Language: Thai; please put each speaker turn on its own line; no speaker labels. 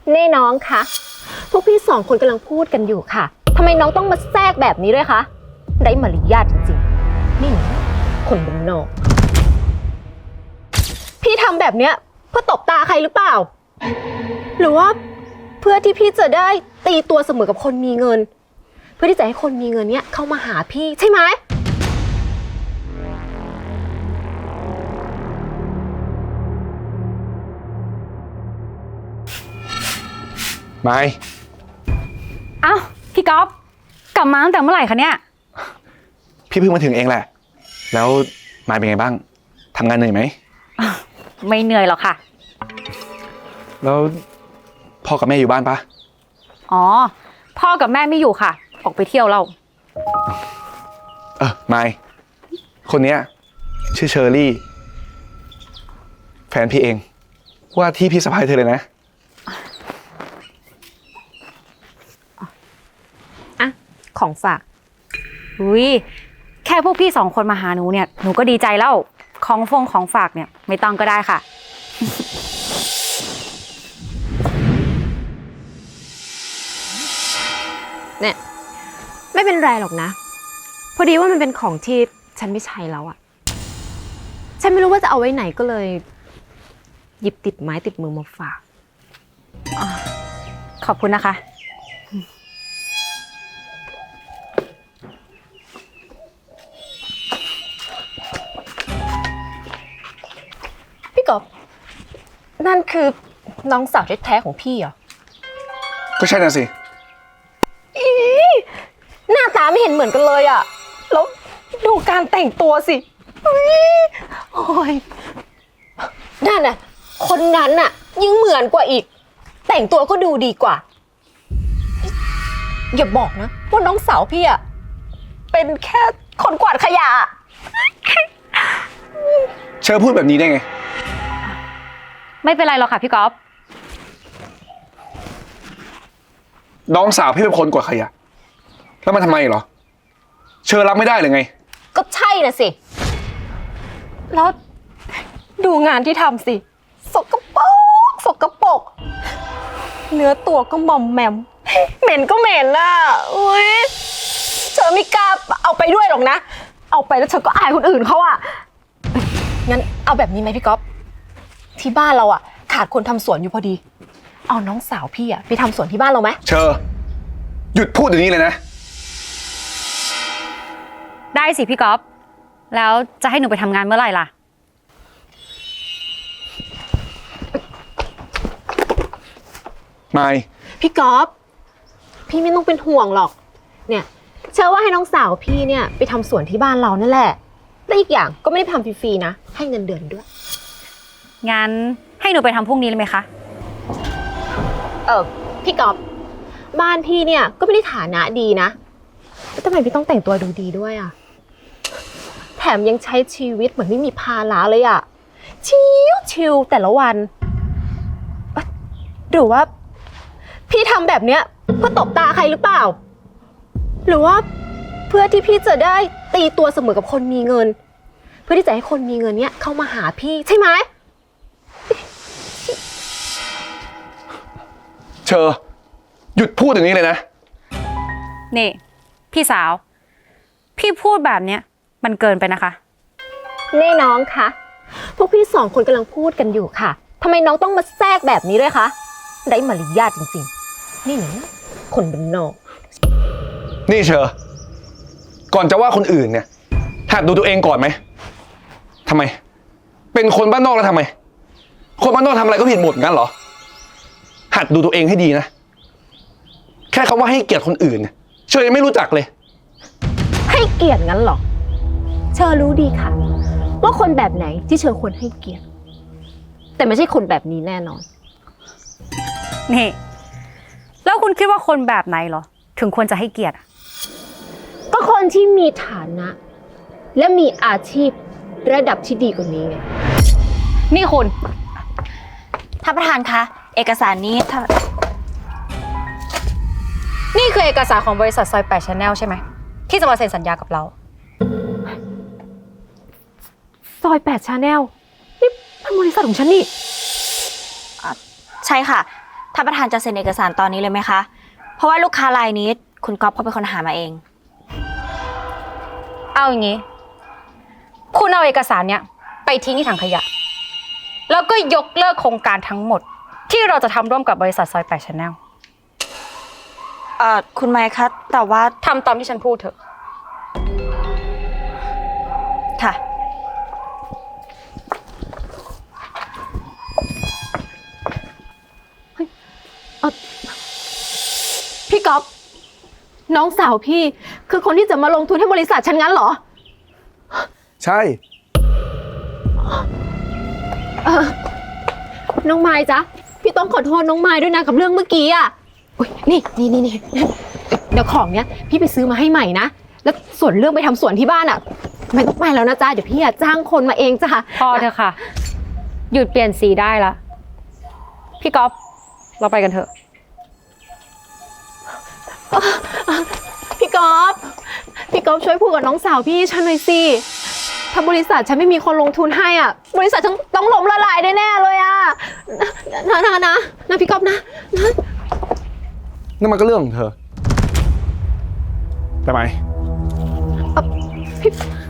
นี่น้องคะพวกพี่สองคนกำลังพูดกันอยู่ค่ะทำไมน้องต้องมาแทรกแบบนี้ด้วยคะไร้มารยาทจริงๆนี่คนบ้านนอกพี่ทำแบบเนี้ยเพื่อตบตาใครหรือเปล่าหรือว่าเพื่อที่พี่จะได้ตีตัวเสมอกับคนมีเงินเพื่อที่จะให้คนมีเงินเนี้ยเข้ามาหาพี่ใช่ไหม
ไม่
อ้าวพี่ก๊อฟกลับมาตั้งแต่เมื่อไหร่คะเนี่ย
พี่เพิ่งมาถึงเองแหละแล้วมายเป็นไงบ้างทำงานเหนื่อยไหม
ไม่เหนื่อยหรอกค่ะ
แล้วพ่อกับแม่อยู่บ้านปะ
อ๋อพ่อกับแม่ไม่อยู่ค่ะออกไปเที่ยวเรา
มายคนเนี้ยชื่อเชอรี่แฟนพี่เองว่าที่พี่สะพ้ายเธอเลยนะ
ของฝาก
อุ้ยแค่พวกพี่สองคนมาหาหนูเนี่ยหนูก็ดีใจแล้วของฝากเนี่ยไม่ต้องก็ได้ค่ะ
เนี่ยไม่เป็นไรหรอกนะพอดีว่ามันเป็นของที่ฉันไม่ใช้แล้วอะฉันไม่รู้ว่าจะเอาไว้ไหนก็เลยหยิบติดไม้ติดมือมาฝาก
ขอบคุณนะคะ
พี่กบนั่นคือน้องสาวแท้ๆของพี่เหรอ
ก็ใช่น่ะสิ
หน้าตาไม่เห็นเหมือนกันเลยอะแล้วดูการแต่งตัวสิโอ้ยนั่นน่ะคนนั้นน่ะยิ่งเหมือนกว่าอีกแต่งตัวก็ดูดีกว่าอย่าบอกนะว่าน้องสาวพี่อะเป็นแค่คนกวาดขยะ
เชอพูดแบบนี้ได้ไง
ไม่เป็นไรหรอกค่ะพี่ก๊อฟ
น้องสาวพี่เป็นคนกวาดขยะแล้วมันทำไมเหรอเชอรับไม่ได้หรือไง
ก็ใช่น่ะสิแล้วดูงานที่ทำสิสกปรกสกปรกเนื้อตัวก็มอมแมมเหม็นก็เหม็นน่ะอุ้ยเธอไม่กล้าเอาไปด้วยหรอกนะเอาไปแล้วเธอก็อายคนอื่นเขาอ่ะงั้นเอาแบบนี้ไหมพี่ก๊อฟที่บ้านเราอ่ะขาดคนทำสวนอยู่พอดีเอาน้องสาวพี่อ่ะไปทำสวนที่บ้านเราไหม
เชอหยุดพูดอย่างนี้เลยนะ
ได้สิพี่ก๊อฟแล้วจะให้หนูไปทำงานเมื่อไหร่ล่ะ
ไม่
พี่ก๊อฟพี่ไม่ต้องเป็นห่วงหรอกเนี่ยเชื่อว่าให้น้องสาวพี่เนี่ยไปทำสวนที่บ้านเรานั่นแหละและอีกอย่างก็ไม่ได้ทำฟรีๆนะให้เงินเดือนด้วย
งั้นให้หนูไปทำพรุ่งนี้เลยไหมคะ
พี่ก๊อฟบ้านพี่เนี่ยก็ไม่ได้ฐานะดีนะแล้วทำไมพี่ต้องแต่งตัวดูดีด้วยอ่ะแถมยังใช้ชีวิตเหมือนไม่มีภาระเลยอ่ะชิวๆแต่ละวันหรือว่าพี่ทำแบบเนี้ยเพื่อตบตาใครหรือเปล่าหรือว่าเพื่อที่พี่จะได้ตีตัวเสมอกับคนมีเงินเพื่อที่จะให้คนมีเงินเนี้ยเข้ามาหาพี่ใช่ไหม
เชอหยุดพูดอย่างนี้เลยนะ
นี่พี่สาวพี่พูดแบบเนี้ยมันเกินไปนะคะ
นี่น้องคะพวกพี่สองคนกำลังพูดกันอยู่ค่ะทำไมน้องต้องมาแทรกแบบนี้ด้วยคะไร้มารยาทจริงๆนี่คนบ้านนอก
นี่เชอก่อนจะว่าคนอื่นเนี่ยหัดดูตัวเองก่อนไหมทำไมเป็นคนบ้านนอกแล้วทำไมคนบ้านนอกทำอะไรก็ผิดหมดงั้นเหรอหัดดูตัวเองให้ดีนะแค่คำว่าให้เกียรติคนอื่นเนี่ยเชอยังไม่รู้จักเลย
ให้เกียรติงั้นเหรอเชอรู้ดีค่ะว่าคนแบบไหนที่เชอควรให้เกียรติแต่ไม่ใช่คนแบบนี้แน่นอน
นี่แล้วคุณคิดว่าคนแบบไหนเหรอถึงควรจะให้เกียรติ
ก็คนที่มีฐานะและมีอาชีพระดับที่ดีกว่านี้ไง
นี่คุณ
ท่านประธานคะเอกสารนี้
นี่คือเอกสารของบริษัทซอย8 Channel ใช่ไหมที่จะมาเซ็นสัญญากับเรา
ซอย8 Channel นี่เป็นบริษัทของฉันนี่
ใช่ค่ะท่านประธานจะเซ็นเอกสารตอนนี้เลยไหมคะ เพราะว่าลูกค้ารายนี้คุณก๊อฟเขาเป็นคนหามาเอง
เอาอย่างนี้ คุณเอาเอกสารเนี้ยไปทิ้งที่ถังขยะ แล้วก็ยกเลิกโครงการทั้งหมด ที่เราจะทำร่วมกับบริษัทซอย8 Channel
คุณไมค์คะแต่ว่า
ทำตามที่ฉันพูดเถอะ
ค่ะ
พี่ก๊อฟน้องสาวพี่คือคนที่จะมาลงทุนให้บริษัทฉันงั้นเหรอ
ใช่
น้องไม้จ๊ะพี่ต้องขอโทษน้องไม้ด้วยนะกับเรื่องเมื่อกี้อ่ะอุ๊ยนี่เดี๋ยวของเนี้ยพี่ไปซื้อมาให้ใหม่นะแล้วส่วนเรื่องไปทำสวนที่บ้านอ่ะไม่ต้องไปแล้วนะจ๊ะเดี๋ยวพี่จ้างคนมาเองจ้ะ
พอเถอะค่ะ หยุดเปลี่ยนสีได้ละ พี่ก๊อฟเราไปกันเถอะ
พี่ก๊อฟช่วยพูดกับน้องสาวพี่ฉันหน่อยสิถ้าบริษัทฉันไม่มีคนลงทุนให้อ่ะบริษัทฉันต้องล้มละลายแน่ๆเลยอ่ะนะพี่ก๊อฟนะ
นั่นมันก็เรื่องของเธอไปไหม
พี่